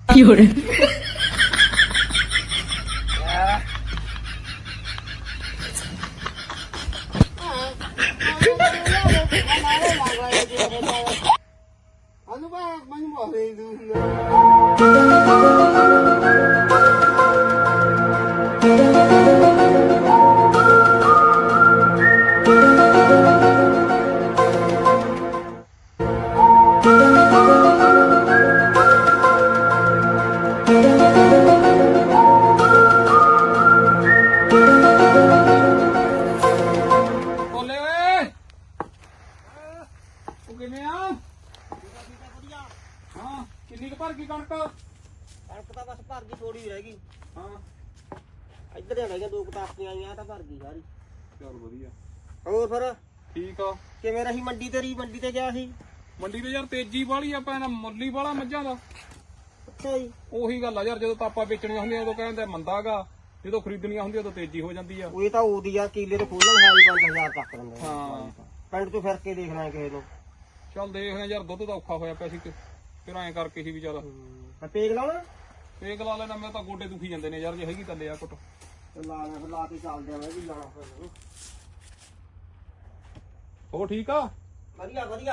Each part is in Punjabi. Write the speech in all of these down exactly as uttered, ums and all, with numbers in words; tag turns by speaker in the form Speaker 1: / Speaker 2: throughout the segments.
Speaker 1: 有人。
Speaker 2: Ano ba? Ano mo?
Speaker 3: ਬੋਲੇ ਓਏ ਉਹ ਕਿਵੇਂ ਆ ਹਾਂ ਕਿੰਨੀ ਕੁ ਭਰ ਗਈ ਕਣਕ
Speaker 2: ਕਣਕ ਤਾਂ ਬਸ ਭਰ ਗਈ, ਥੋੜੀ ਰਹਿ ਗਈ।
Speaker 3: ਹਾਂ
Speaker 2: ਇੱਧਰ ਹੀ ਰਹਿ ਗਿਆ, ਦੋ ਕਟਾਪੀਆਂ ਆਈਆਂ ਤਾਂ ਭਰ ਗਈ ਸਾਰੀ।
Speaker 3: ਚਲ ਵਧੀਆ
Speaker 2: ਹੋਰ ਫਿਰ
Speaker 3: ਠੀਕ ਆ।
Speaker 2: ਕਿਵੇਂ ਰਹੀ ਮੰਡੀ ਤੇਰੀ? ਮੰਡੀ ਤੇ ਗਿਆ ਸੀ?
Speaker 3: ਮੰਡੀ ਤੇ ਯਾਰ ਤੇਜ਼ੀ ਵਾਲੀ ਆਪਾਂ ਨਾ ਮੁੱਲੀ ਵਾਲਾ ਮੱਝਾਂ ਦਾ
Speaker 2: ਅੱਛਾ ਜੀ।
Speaker 3: ਉਹੀ ਗੱਲ ਆ ਯਾਰ, ਜਦੋਂ ਤਾਪਾ ਵੇਚਣੀਆਂ ਹੁੰਦੀਆਂ ਉਦੋਂ ਕਹਿੰਦੇ ਮੰਦਾਗਾ, ਜਦੋਂ ਖਰੀਦਣੀਆਂ ਹੁੰਦੀਆਂ ਉਦੋਂ ਤੇਜ਼ੀ ਹੋ ਜਾਂਦੀ ਆ।
Speaker 2: ਉਹ ਤਾਂ ਉਹਦੀ ਆ, ਕੀਲੇ ਤੇ ਖੋਲਣ ਹੈ ਪੰਜ ਹਜ਼ਾਰ ਤੱਕ ਦਿੰਦੇ।
Speaker 3: ਹਾਂ
Speaker 2: ਪਿੰਡ ਤੋਂ ਫਿਰ ਕੇ ਦੇਖਣਾ ਕਿਸੇ ਨੂੰ।
Speaker 3: ਚੱਲ ਦੇਖਦੇ ਯਾਰ, ਦੁੱਧ ਤਾਂ ਔਖਾ ਹੋਇਆ ਪਿਆ ਸੀ ਕਿ ਫਿਰ ਐਂ ਕਰਕੇ ਸੀ ਵੀ ਚੱਲ
Speaker 2: ਮੈਂ ਪੇਗ ਲਾਉਣਾ
Speaker 3: ਪੇਕ ਲਾ ਲੈਣਾ। ਮੈਂ ਤਾਂ ਗੋਡੇ ਦੁਖੀ ਜਾਂਦੇ ਨੇ ਯਾਰ, ਜੇ ਹੈਗੀ ਤਾਂ ਲਿਆ ਕੁੱਟ।
Speaker 2: ਤੇ ਲਾ ਲੈ, ਫਿਰ ਲਾ ਕੇ ਚੱਲਦੇ ਆ। ਮੈਂ ਵੀ ਲਾਣਾ ਫਿਰ।
Speaker 3: ਹੋ ਠੀਕ ਆ।
Speaker 2: ਵਧੀਆ ਵਧੀਆ।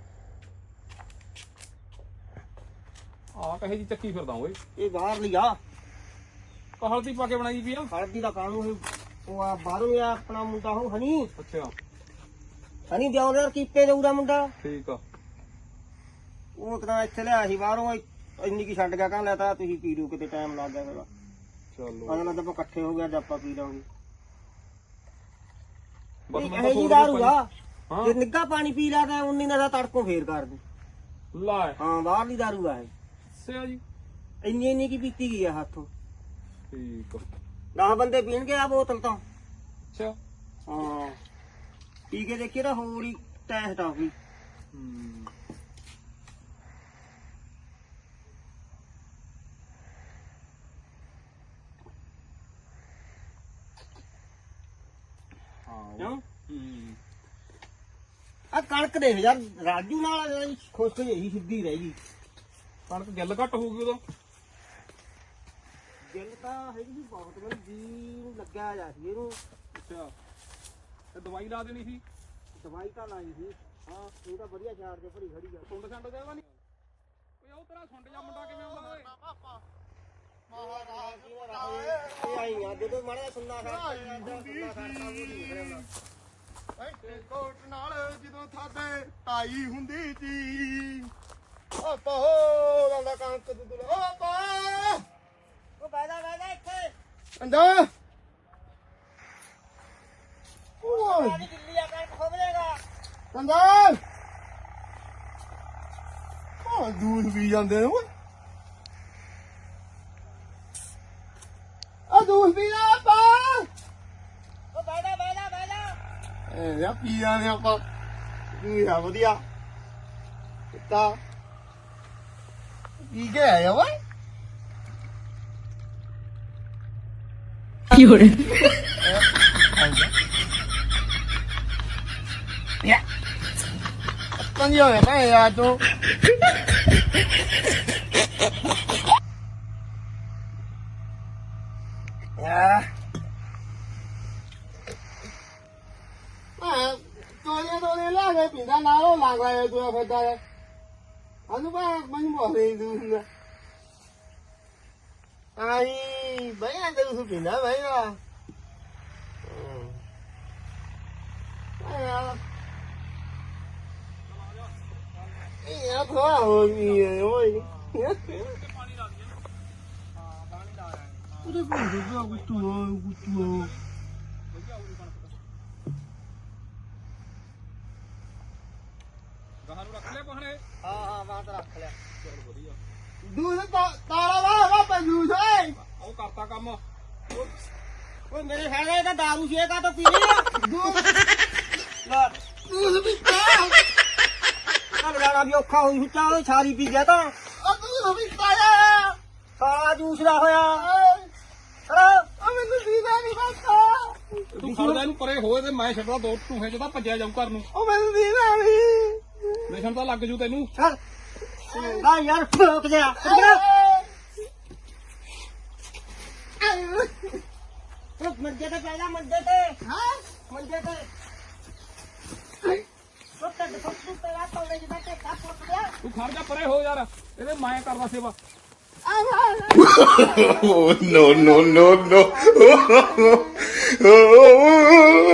Speaker 3: ਆ ਕਹੇ ਜੀ ਚੱਕੀ ਫਿਰਦਾ ਓਏ,
Speaker 2: ਇਹ ਬਾਹਰ ਲਿਆ
Speaker 3: ਹਲਦੀ ਪਾ ਕੇ ਬਣਾਈ ਵੀ ਆ।
Speaker 2: ਹਲਦੀ ਦਾ ਕਾਨੂੰਨ ਉਹ ਆ ਬਾਹਰੋਂ ਆ ਆਪਣਾ ਮੁੰਡਾ ਉਹ ਹਨੀ
Speaker 3: ਅੱਛਾ
Speaker 2: ਹਨੀ ਦਿਆਉਂਦਾ ਕੀਪੇ ਦੇਊ ਦਾ ਮੁੰਡਾ।
Speaker 3: ਠੀਕ ਆ।
Speaker 2: ਉਹ ਤਾਂ ਇੱਥੇ ਲਿਆ ਸੀ ਬਾਹਰੋਂ, ਇੰਨੀ ਕੀ ਛੱਡ ਗਿਆ, ਕਹਿੰਦਾ ਲੈ ਤਾਂ ਤੁਸੀਂ ਪੀ ਲਓ, ਕਿਤੇ ਟਾਈਮ ਲੱਗ ਗਿਆ ਫਿਰ।
Speaker 3: ਚਲੋ
Speaker 2: ਉਹਨਾਂ ਨਾਲ ਆਪਾਂ ਇਕੱਠੇ ਹੋ ਗਿਆ, ਆਪਾਂ ਪੀ ਲਾਂਗੇ।
Speaker 3: ਬਸ
Speaker 2: ਇਹ
Speaker 3: ਮੈਂ ਤਾਂ
Speaker 2: ਜੀ
Speaker 3: ਥੋੜ੍ਹਾ
Speaker 2: ਦਾਰੂ ਆ,
Speaker 3: ਹਾਂ
Speaker 2: ਜੇ ਨਿੱਘਾ ਪਾਣੀ ਪੀ ਲਾ ਤਾਂ ਉਨੀ ਦਾ ਤੜਕੋਂ ਫੇਰ ਕਰ ਦੂ।
Speaker 3: ਲੈ
Speaker 2: ਹਾਂ ਬਾਹਰਲੀ ਦਾਰੂ ਆ ਇਹ,
Speaker 3: ਸਿਆ ਜੀ।
Speaker 2: ਇੰਨੀ ਇੰਨੀ ਕੀ ਪੀਤੀ ਗਈ ਆ ਹੱਥੋਂ।
Speaker 3: ਠੀਕ ਆ।
Speaker 2: ਦਸ ਬੰਦੇ ਪੀਣਗੇ ਆ ਬੋਤਲ ਤਾਂ।
Speaker 3: ਅੱਛਾ
Speaker 2: ਹਾਂ ਪੀ ਕੇ ਦੇਖੀ ਤਾਂ ਹੋਰ ਹੀ ਟੈਸਟ ਆ ਗਈ।
Speaker 3: ਹੂੰ
Speaker 2: ਕਿਉਂ?
Speaker 3: ਹੂੰ
Speaker 2: ਆ ਕਣਕ ਦੇਖ ਯਾਰ, ਰਾਜੂ ਨਾਲ ਖੁਸ਼ ਜਿਹੀ ਸਿੱਧੀ ਰਹਿ ਗਈ।
Speaker 3: ਕਣਕ ਗਿੱਲ ਘੱਟ ਹੋਊਗੀ ਉਦੋਂ।
Speaker 2: ਗਿੱਲ ਤਾਂ ਹੈਗੀ ਸੀ ਬਹੁਤ, ਮੈਨੂੰ ਜੀ ਨੂੰ ਲੱਗਿਆ ਜਾ ਸੀ ਇਹਨੂੰ।
Speaker 3: ਅੱਛਾ ਤੇ ਦਵਾਈ ਲਾ ਦੇਣੀ ਸੀ।
Speaker 2: ਦਵਾਈ ਤਾਂ ਲਾਈ ਸੀ। ਹਾਂ ਇਹ ਤਾਂ ਵਧੀਆ ਚਾਰ ਜੇ ਭਰੀ ਖੜੀ ਆ।
Speaker 3: ਸੁੰਡ ਸੰਡ ਦੇਵਾ ਨਹੀਂ ਓਏ, ਉਹ ਤੇਰਾ ਸੁੰਡ ਜਾ ਮੁੰਡਾ ਕਿਵੇਂ ਆਉਂਦਾ ਓਏ?
Speaker 2: ਇਹ ਆਈ ਆ ਜਦੋਂ ਮਾੜਾ ਸੁਣਨਾ ਖੜਦਾ ਸੁਣਨਾ ਖੜਦਾ ਉਹ ਨਹੀਂ ਨਿਕਲਦਾ।
Speaker 4: ਕੋਟ ਨਾਲ ਜਦੋਂ ਥਾਦੇ ਤਾਈ ਹੁੰਦੀ ਸੀ, ਓ ਪਹੋ ਲਾਂਦਾ ਕਣਕ ਦੁੱਧ ਓ ਪਾ
Speaker 2: ਉਹ ਬੈਠਾ ਬੈਠਾ ਇੱਥੇ
Speaker 4: ਅੰਦਾ ਓਏ
Speaker 2: ਸਾਡੀ ਦਿੱਲੀ ਆ ਕਣਕ ਖੋਬਲੇਗਾ।
Speaker 4: ਅੰਦਾ ਓ ਦੂਧ ਪੀ ਜਾਂਦੇ ਨੇ ਓਏ, ਆ ਦੂਧ ਪੀ ਲਾ ਪਾ।
Speaker 2: ਉਹ ਬੈਠਾ ਬੈਠਾ ਬੈਠਾ
Speaker 4: ਇਹ ਯਾ ਪੀ ਜਾਂਦੇ ਆਪਾਂ। ਤੂੰ ਆ ਵਧੀਆ ਕੁੱਤਾ ਪੀ ਕੇ ਆਇਆ ਓਏ।
Speaker 1: 有人。
Speaker 4: Con nhiều này à chú. À. À, tôi đi tôi đi lá cái biển ra nào làm cái tôi phải đây. Anh ba mình bỏ đi luôn. Ai mấy anh tôi biển đó mấy à. À. ਇਹ ਥੋੜਾ ਹੋ ਗਈ ਓਏ। ਉਹਦੇ ਕੋਲ ਦੁੱਧਾ ਕੁੱਤੂ ਕੁੱਤੂ
Speaker 3: ਗਾਹਾਂ ਨੂੰ ਰੱਖ ਲਿਆ ਪਹਣੇ।
Speaker 2: ਹਾਂ ਹਾਂ ਮੈਂ ਤਾਂ ਰੱਖ ਲਿਆ।
Speaker 3: ਚਲ ਵਧੀਆ।
Speaker 4: ਦੂਧ ਤਾਰਾ ਵਾ ਵਾ ਪੰਜੂਸ ਓਏ।
Speaker 3: ਉਹ ਕਰਤਾ ਕੰਮ।
Speaker 2: ਓਏ ਮੇਰੇ ਖਿਆਲ ਇਹ ਤਾਂ ਦਾਰੂ ਸ਼ੇਕਾ ਤਾਂ ਪੀ ਲਈ ਆ।
Speaker 4: ਦੂਧ
Speaker 2: ਲੈ
Speaker 4: ਦੂਧ ਪੀਤਾ
Speaker 2: ਲਗਾਣਾ ਵੀ ਔਖਾ ਹੋਈ ਹੁੱਚਾ, ਉਹ ਸਾਰੀ ਪੀ ਗਿਆ ਤਾਂ।
Speaker 4: ਆ ਦੂਧ ਪੀਤਾ ਆ।
Speaker 2: ਸਾਰਾ ਜੂਸ ਦਾ ਹੋਇਆ।
Speaker 4: ਆ ਮੈਨੂੰ ਦੀਦਾ ਨਹੀਂ ਪਤਾ।
Speaker 3: ਤੂੰ ਖੜਦਾ ਇਹਨੂੰ ਪਰੇ ਹੋਏ ਤੇ ਮੈਂ ਛੱਡਦਾ ਦੋ ਟੂਹੇ ਚ ਤਾਂ ਭੱਜਿਆ ਜਾਊ ਘਰ ਨੂੰ।
Speaker 4: ਉਹ ਮੈਨੂੰ ਦੀਦਾ ਨਹੀਂ।
Speaker 3: ਨਸ਼ਣ ਤਾਂ ਲੱਗ ਜੂ ਤੈਨੂੰ।
Speaker 2: ਚੱਲ ਆ ਯਾਰ ਫੋਕ ਜਾ। ਤੂੰ ਮੰਜੇ ਤੇ ਪੈ ਜਾ ਮੰਜੇ ਤੇ ਹਾਂ ਮੰਜੇ ਤੇ ਸੁੱਤ ਦੇ ਸੁੱਤ ਤੇ ਆ ਪੌੜੇ ਜਿਹਾ ਤੇ ਕਾ ਪੁੱਟ ਗਿਆ
Speaker 3: ਤੂੰ ਖੜ ਜਾ ਪਰੇ ਹੋ ਯਾਰ ਇਹਦੇ ਮੈਂ ਕਰਦਾ ਸੇਵਾ
Speaker 4: no, no, no, no.